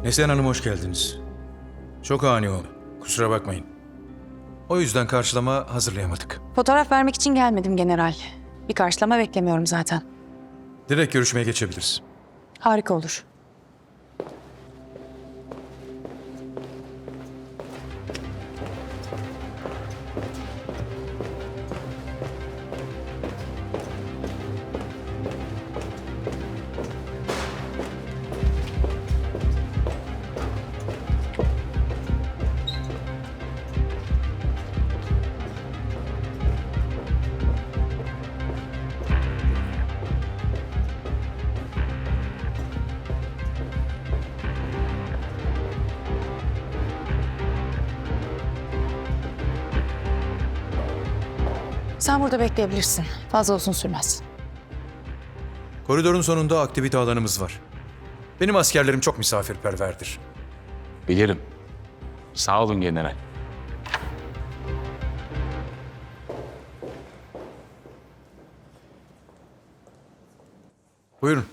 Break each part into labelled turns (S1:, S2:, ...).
S1: Neslihan Hanım hoş geldiniz. Çok ani oldu. Kusura bakmayın. O yüzden karşılama hazırlayamadık.
S2: Fotoğraf vermek için gelmedim general. Bir karşılama beklemiyorum zaten.
S1: Direkt görüşmeye geçebiliriz.
S2: Harika olur. Sen burada bekleyebilirsin. Fazla uzun sürmez.
S1: Koridorun sonunda aktivite alanımız var. Benim askerlerim çok misafirperverdir.
S3: Bilirim. Sağ olun general.
S1: Buyurun.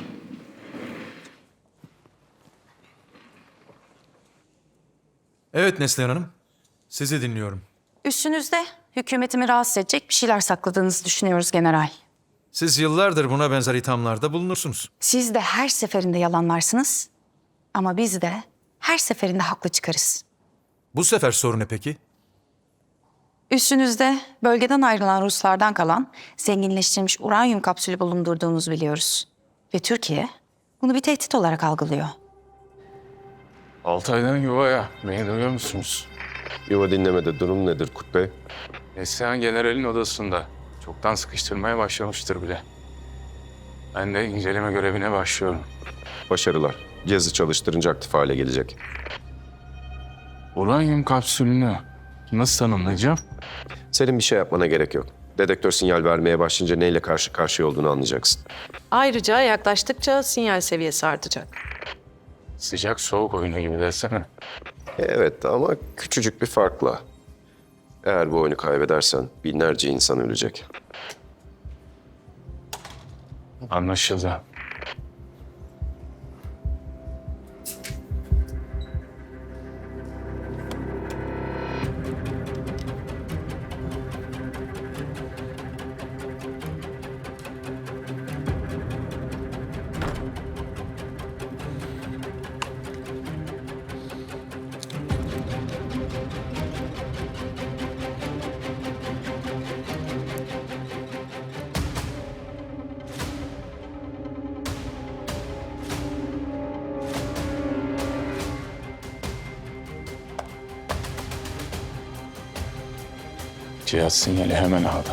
S1: Evet Neslihan Hanım. Sizi dinliyorum.
S2: Üstünüzde hükümetimi rahatsız edecek bir şeyler sakladığınızı düşünüyoruz general.
S1: Siz yıllardır buna benzer ithamlarda bulunursunuz.
S2: Siz de her seferinde yalanlarsınız. Ama biz de her seferinde haklı çıkarız.
S1: Bu sefer sorun ne peki?
S2: Üstünüzde bölgeden ayrılan Ruslardan kalan zenginleştirilmiş uranyum kapsülü bulundurduğunuzu biliyoruz. Ve Türkiye bunu bir tehdit olarak algılıyor.
S3: Altay'dan yuvaya. Beni duyuyor musunuz?
S4: Yuva dinlemede durum nedir Kut Bey?
S3: Neslihan generalin odasında. Çoktan sıkıştırmaya başlamıştır bile. Ben de inceleme görevine başlıyorum.
S4: Başarılar. Cihazı çalıştırınca aktif hale gelecek.
S3: Uranyum kapsülünü nasıl tanımlayacağım?
S4: Senin bir şey yapmana gerek yok. Dedektör sinyal vermeye başlayınca neyle karşı karşıya olduğunu anlayacaksın.
S5: Ayrıca yaklaştıkça sinyal seviyesi artacak.
S3: Sıcak soğuk oyunu gibi desene.
S4: Evet ama küçücük bir farkla. Eğer bu oyunu kaybedersen binlerce insan ölecek.
S3: Anlaşıldı. Cihaz sinyali hemen aldı.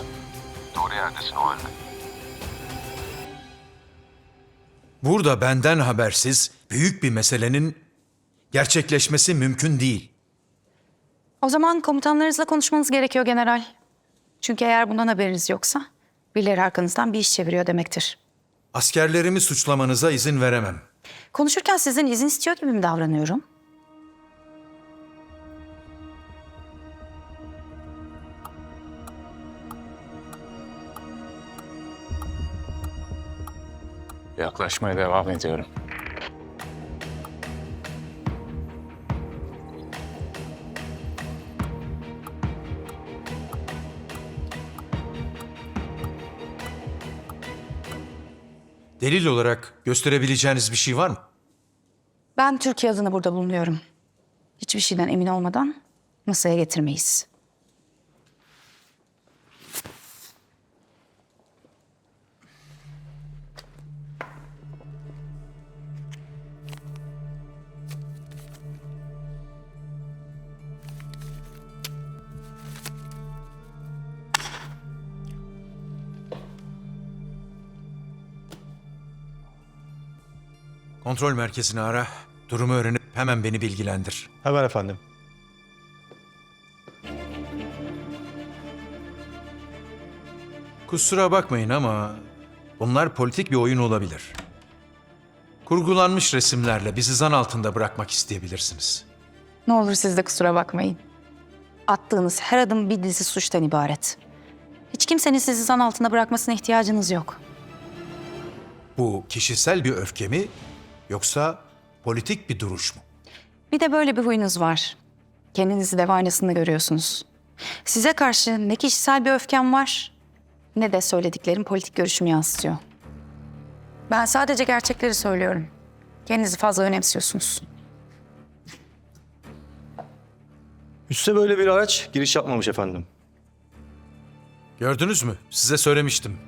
S1: Burada benden habersiz büyük bir meselenin gerçekleşmesi mümkün değil.
S2: O zaman komutanlarınızla konuşmanız gerekiyor general. Çünkü eğer bundan haberiniz yoksa birileri arkanızdan bir iş çeviriyor demektir.
S1: Askerlerimi suçlamanıza izin veremem.
S2: Konuşurken sizden izin istiyor gibi mi davranıyorum?
S3: Yaklaşmaya devam ediyorum.
S1: Delil olarak gösterebileceğiniz bir şey var mı?
S2: Ben Türkiye adına burada bulunuyorum. Hiçbir şeyden emin olmadan masaya getirmeyiz.
S1: Kontrol merkezini ara, durumu öğrenip hemen beni bilgilendir.
S6: Hemen efendim.
S1: Kusura bakmayın ama bunlar politik bir oyun olabilir. Kurgulanmış resimlerle bizi zan altında bırakmak isteyebilirsiniz.
S2: Ne olur siz de kusura bakmayın. Attığınız her adım bir dizi suçtan ibaret. Hiç kimsenin sizi zan altında bırakmasına ihtiyacınız yok.
S1: Bu kişisel bir öfke mi yoksa Politik bir duruş mu?
S2: Bir de böyle bir huyunuz var. Kendinizi dev aynasında görüyorsunuz. Size karşı ne kişisel bir öfkem var ne de söylediklerim politik görüşümü yansıtıyor. Ben sadece gerçekleri söylüyorum. Kendinizi fazla önemsiyorsunuz.
S6: Üste böyle bir araç giriş yapmamış efendim.
S1: Gördünüz mü? Size söylemiştim.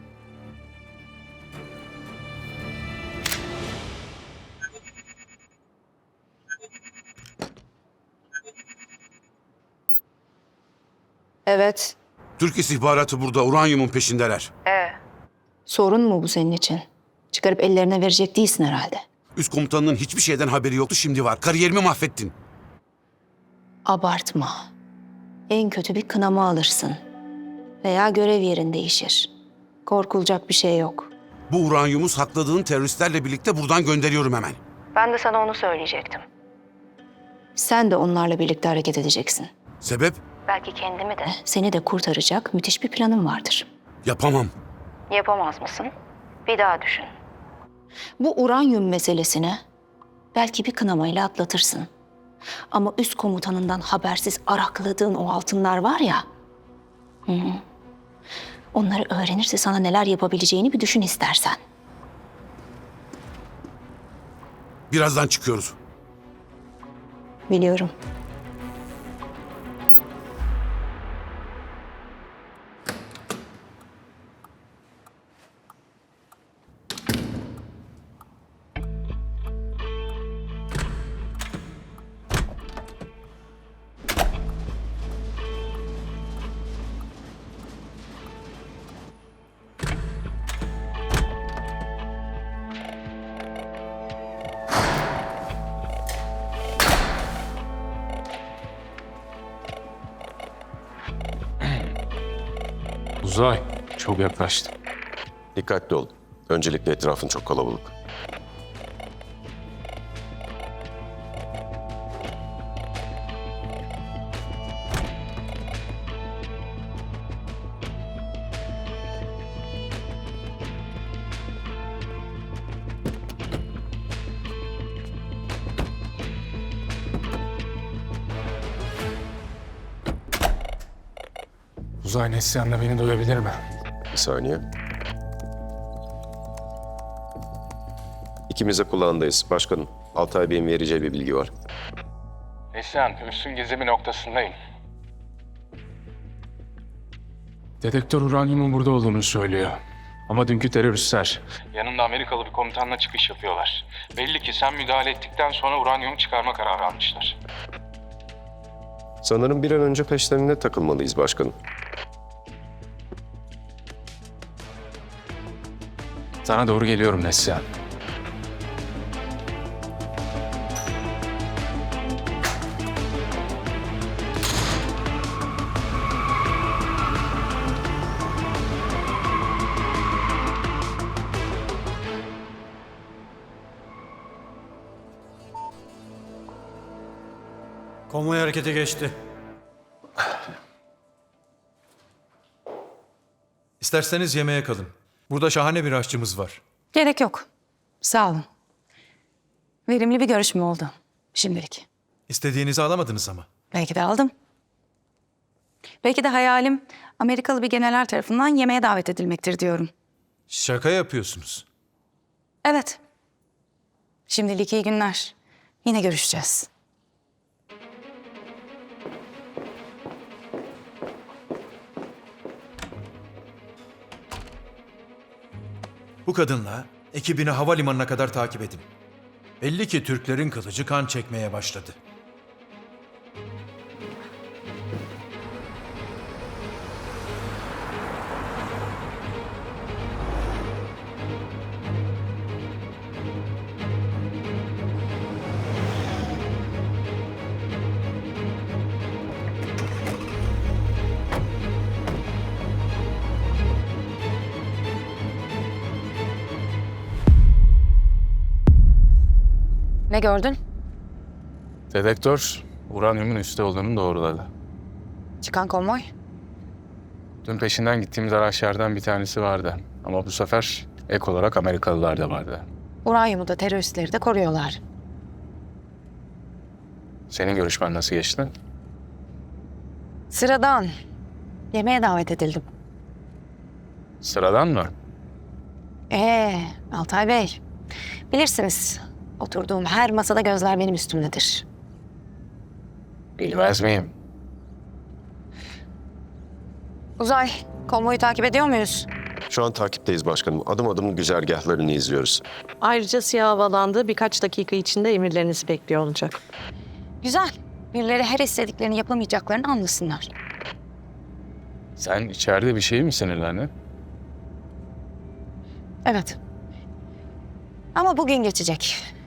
S7: Evet.
S8: Türk istihbaratı burada uranyumun peşindeler.
S7: Sorun mu bu senin için? Çıkarıp ellerine verecek değilsin herhalde.
S8: Üst komutanının hiçbir şeyden haberi yoktu, şimdi var. Kariyerimi mahvettin.
S7: Abartma. En kötü bir kınama alırsın. Veya görev yerin değişir. Korkulacak bir şey yok.
S8: Bu uranyumu sakladığın teröristlerle birlikte buradan gönderiyorum hemen.
S7: Ben de sana onu söyleyecektim. Sen de onlarla birlikte hareket edeceksin.
S8: Sebep?
S7: Belki kendimi de, seni de kurtaracak müthiş bir planım vardır.
S8: Yapamam.
S7: Yapamaz mısın? Bir daha düşün. Bu uranyum meselesini belki bir kınamayla atlatırsın. Ama üst komutanından habersiz arakladığın o altınlar var ya... Onları öğrenirse sana neler yapabileceğini bir düşün istersen.
S8: Birazdan çıkıyoruz.
S7: Biliyorum.
S3: Uzay, çok yaklaştı.
S4: Dikkatli ol. Öncelikle etrafın çok kalabalık.
S3: Uzay Neslihan'la beni duyabilir mi?
S4: Bir saniye. İkimiz de kulağındayız. Başkanım, Altay Bey'in vereceği bir bilgi var.
S3: Neslihan, üstün gizli bir noktasındayım. Dedektör uranyumun burada olduğunu söylüyor. Ama dünkü teröristler yanında Amerikalı bir komutanla çıkış yapıyorlar. Belli ki sen müdahale ettikten sonra uranyumu çıkarma kararı almışlar.
S4: Sanırım bir an önce peşlerine takılmalıyız başkanım.
S3: Sana doğru geliyorum Neslihan.
S6: Konvoy harekete geçti.
S1: İsterseniz yemeğe kalın. Burada şahane bir aşçımız var.
S2: Gerek yok. Sağ olun. Verimli bir görüşme oldu şimdilik.
S1: İstediğinizi alamadınız ama.
S2: Belki de aldım. Belki de hayalim Amerikalı bir general tarafından yemeğe davet edilmektir diyorum.
S1: Şaka yapıyorsunuz.
S2: Evet. Şimdilik iyi günler. Yine görüşeceğiz.
S1: Bu kadınla ekibini havalimanına kadar takip edin. Belli ki Türklerin kılıcı kan çekmeye başladı.
S2: Ne gördün?
S3: Dedektör uranyumun üstte olduğunu doğruladı.
S2: Çıkan konvoy.
S3: Dün peşinden gittiğimiz araçlardan bir tanesi vardı. Ama bu sefer ek olarak Amerikalılar da vardı.
S2: Uranyumu da teröristleri de koruyorlar.
S3: Senin görüşmen nasıl geçti?
S2: Sıradan. Yemeğe davet edildim.
S3: Sıradan mı?
S2: Altay Bey. Bilirsiniz, oturduğum her masada gözler benim üstümdedir.
S3: Bilmez miyim?
S2: Uzay, konvoyu takip ediyor muyuz?
S4: Şu an takipteyiz başkanım. Adım adım güzergahlarını izliyoruz.
S5: Ayrıca siyah havalandı. Birkaç dakika içinde emirlerinizi bekliyor olacak.
S2: Güzel. Birileri her istediklerini yapamayacaklarını anlasınlar.
S3: Sen içeride bir şey mi sinirlendin?
S2: Evet. Ama bugün geçecek.